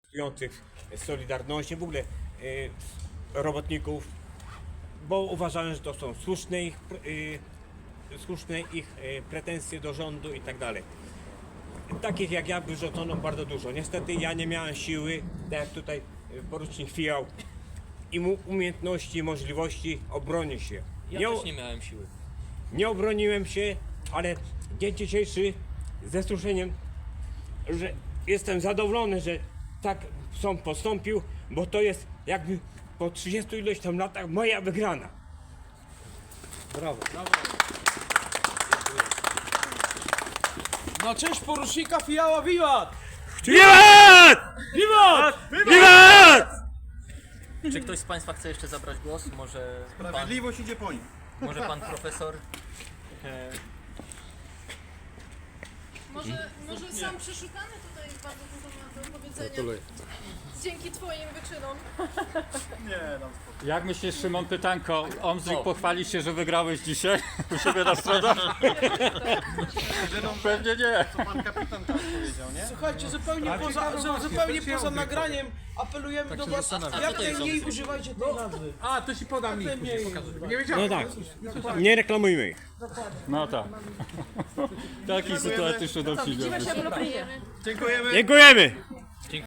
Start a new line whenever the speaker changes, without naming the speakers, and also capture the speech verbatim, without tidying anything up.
protestujących z Solidarności, w ogóle y, robotników, bo uważałem, że to są słuszne ich, y, słuszne ich y, pretensje do rządu i tak dalej. Takich jak ja wyrzucono bardzo dużo. Niestety ja nie miałem siły, tak jak tutaj y, porucznik Fijał, i mu umiejętności, możliwości obronić się.
Ja
Nie,
też nie miałem siły.
nie obroniłem się, ale dzień dzisiejszy ze wzruszeniem, że jestem zadowolony, że tak sąd postąpił, bo to jest jakby po trzydziestu ileś tam latach moja wygrana.
Brawo.
Na cześć porucznika Fijała, wiwat!
Wiwat!
Wiwat!
Wiwat!
Czy ktoś z Państwa chce jeszcze zabrać głos? Może pan,
Sprawiedliwość idzie po nim.
może pan profesor? E,
Może, może sam przeszukany tutaj bardzo dużo ma do powiedzenia. Dzięki twoim wyczynom.
Nie, nam
Jak myślisz, Szymon, pytanko, Omzik
O.
pochwali się, że wygrałeś dzisiaj u siebie na stronach? Pewnie nie.
co pan kapitan tam powiedział, nie?
Słuchajcie, zupełnie poza, zu- zupełnie poza nagraniem apelujemy do was, jak najmniej używajcie tej nazwy.
A, to ci podam link, później pokażę. Nie
No
wiedziałem.
tak, nie reklamujmy ich.
No tak. Taki sytuatyczny dowcip.
Widzimy się w Lublinie.
Dziękujemy.
Dziękujemy!